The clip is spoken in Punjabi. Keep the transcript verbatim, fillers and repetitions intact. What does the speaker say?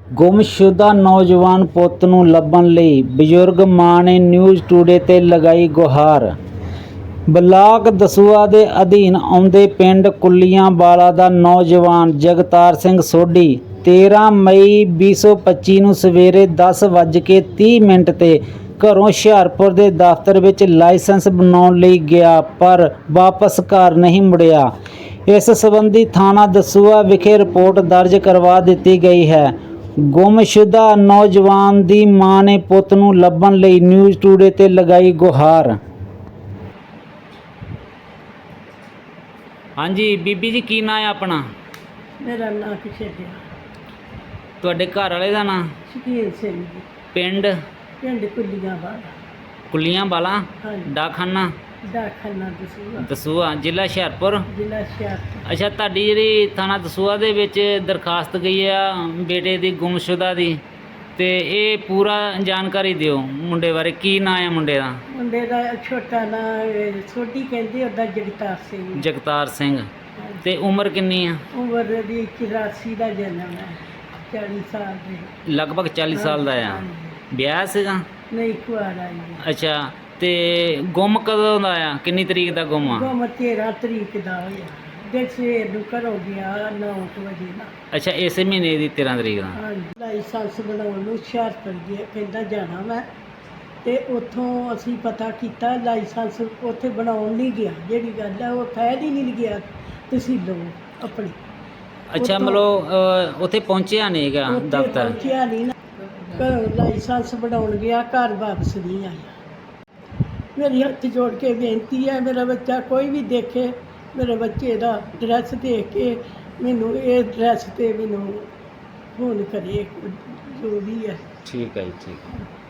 ਗੁੰਮਸ਼ੁਦਾ ਨੌਜਵਾਨ ਪੁੱਤ ਨੂੰ ਲੱਭਣ ਲਈ ਬਜ਼ੁਰਗ ਮਾਂ ਨੇ ਨਿਊਜ਼ ਟੂਡੇ ਤੇ ਲਗਾਈ ਗੁਹਾਰ। ਬਲਾਕ ਦਸੂਹਾ ਦੇ ਅਧੀਨ ਆਉਂਦੇ ਪਿੰਡ ਕੁੱਲੀਆਂਵਾਲਾ ਦਾ ਨੌਜਵਾਨ ਜਗਤਾਰ ਸਿੰਘ ਸੋਢੀ ਤੇਰ੍ਹਾਂ ਮਈ ਵੀਹ ਸੌ ਪੱਚੀ ਨੂੰ ਸਵੇਰੇ ਦਸ ਵੱਜ ਕੇ ਤੀਹ ਮਿੰਟ ਤੇ ਘਰੋਂ ਹੁਸ਼ਿਆਰਪੁਰ ਦੇ ਦਫ਼ਤਰ ਵਿੱਚ ਲਾਇਸੈਂਸ ਬਣਾਉਣ ਲਈ ਗਿਆ, ਪਰ ਵਾਪਸ ਘਰ ਨਹੀਂ ਮੁੜਿਆ। ਇਸ ਸੰਬੰਧੀ ਥਾਣਾ ਦਸੂਹਾ ਵਿਖੇ ਰਿਪੋਰਟ ਦਰਜ ਕਰਵਾ ਦਿੱਤੀ ਗਈ ਹੈ। ਗੁੰਮਸ਼ੁਦਾ ਨੌਜਵਾਨ ਦੀ ਮਾਂ ਨੇ ਪੁੱਤ ਨੂੰ ਲੱਭਣ ਲਈ ਨਿਊਜ਼ ਟੂਡੇ ਤੇ ਲਗਾਈ ਗੁਹਾਰ। ਹਾਂਜੀ ਬੀਬੀ ਜੀ, ਕੀ ਨਾਂ ਹੈ ਆਪਣਾ? ਮੇਰਾ ਨਾਂ ਕਿਸ਼ੇਰਿਆ। ਤੁਹਾਡੇ ਘਰ ਵਾਲੇ ਦਾ ਨਾਂ? ਸ਼ਕੀਲ ਸਿੰਘ ਜੀ। ਪਿੰਡ? ਪਿੰਡ ਕੁੱਲੀਆਂਵਾਲਾ। ਕੁੱਲੀਆਂਵਾਲਾ। ਹਾਂਜੀ। ਡਾਕਖਾਨਾ? ਡਾਕਖਾਨਾ ਦਸੂਹਾ। ਦਸੂਹਾ, ਜ਼ਿਲ੍ਹਾ ਹੁਸ਼ਿਆਰਪੁਰ। ਜ਼ਿਲ੍ਹਾ ਹੁਸ਼ਿਆਰਪੁਰ। ਅੱਛਾ, ਤੁਹਾਡੀ ਜਿਹੜੀ ਥਾਣਾ ਦਸੂਹਾ ਦੇ ਵਿੱਚ ਦਰਖਾਸਤ ਗਈ ਆ ਬੇਟੇ ਦੀ ਗੁੰਮਸ਼ੁਦਾ ਦੀ, ਤੇ ਇਹ ਪੂਰਾ ਜਾਣਕਾਰੀ ਦਿਓ ਮੁੰਡੇ ਬਾਰੇ। ਕੀ ਨਾਂ ਹੈ ਮੁੰਡੇ ਦਾ? ਮੁੰਡੇ ਦਾ ਛੋਟਾ ਨਾਂ ਸੋਢੀ ਕਹਿੰਦੇ, ਉਹਦਾ ਜਗਤਾਰ ਸਿੰਘ। ਜਗਤਾਰ ਸਿੰਘ। ਤੇ ਉਮਰ ਕਿੰਨੀ ਆ? ਉਮਰ ਦੀ ਚੁਰਾਸੀ ਦਾ ਜਨਮ ਹੈ, ਚਾਲੀ ਸਾਲ ਦੇ। ਲਗਭਗ ਚਾਲੀ ਸਾਲ ਦਾ ਆ। ਵਿਆਹ ਸੀਗਾ? ਨਹੀਂ, ਕੁਆਰਾ ਹੀ। ਅੱਛਾ, ਤੇ ਗੁੰਮ ਕਦੋਂ ਦਾ ਆ? ਕਿੰਨੀ ਤਰੀਕ ਦਾ ਗੁੰਮ ਆ? ਗੁੰਮ ਤੇਰ੍ਹਾਂ ਤਰੀਕ ਦਾ ਹੋਇਆ। ਦੇ ਸਵੇਰ ਨੂੰ ਘਰੋਂ ਗਿਆ ਨੌ ਕੁ ਵਜੇ ਨਾਲ। ਅੱਛਾ, ਇਸੇ ਮਹੀਨੇ ਦੀ ਤੇਰ੍ਹਾਂ ਤਰੀਕ ਦਾ। ਹਾਂਜੀ। ਲਾਇਸੈਂਸ ਬਣਾਉਣ ਨੂੰ ਹੁਸ਼ਿਆਰਪੁਰ ਗਿਆ, ਕਹਿੰਦਾ ਜਾਣਾ ਮੈਂ, ਤੇ ਉੱਥੋਂ ਅਸੀਂ ਪਤਾ ਕੀਤਾ ਲਾਇਸੈਂਸ ਉੱਥੇ ਬਣਾਉਣ ਨਹੀਂ ਗਿਆ। ਜਿਹੜੀ ਗੱਲ ਹੈ ਉਹ ਫਾਇਦ ਹੀ ਨਹੀਂ ਗਿਆ ਤਹਿਸੀਲੋਂ ਆਪਣੀ। ਅੱਛਾ, ਮਤਲਬ ਅ, ਉੱਥੇ ਪਹੁੰਚਿਆ ਨਹੀਂ ਹੈਗਾ ਉੱਥੇ ਦਫ਼ਤਰ? ਪਹੁੰਚਿਆ ਨਹੀਂ ਨਾ, ਘਰੋਂ ਲਾਇਸੈਂਸ ਬਣਾਉਣ ਗਿਆ, ਘਰ ਵਾਪਸ ਨਹੀਂ ਆਇਆ। ਮੇਰੀ ਹੱਥ ਜੋੜ ਕੇ ਬੇਨਤੀ ਹੈ, ਮੇਰਾ ਬੱਚਾ ਕੋਈ ਵੀ ਦੇਖੇ, ਮੇਰੇ ਬੱਚੇ ਦਾ ਐਡਰੈਸ ਦੇਖ ਕੇ ਮੈਨੂੰ ਇਹ ਐਡਰੈਸ 'ਤੇ ਮੈਨੂੰ ਫੋਨ ਕਰੇ, ਜੋ ਵੀ ਹੈ। ਠੀਕ ਹੈ ਜੀ, ਠੀਕ ਹੈ।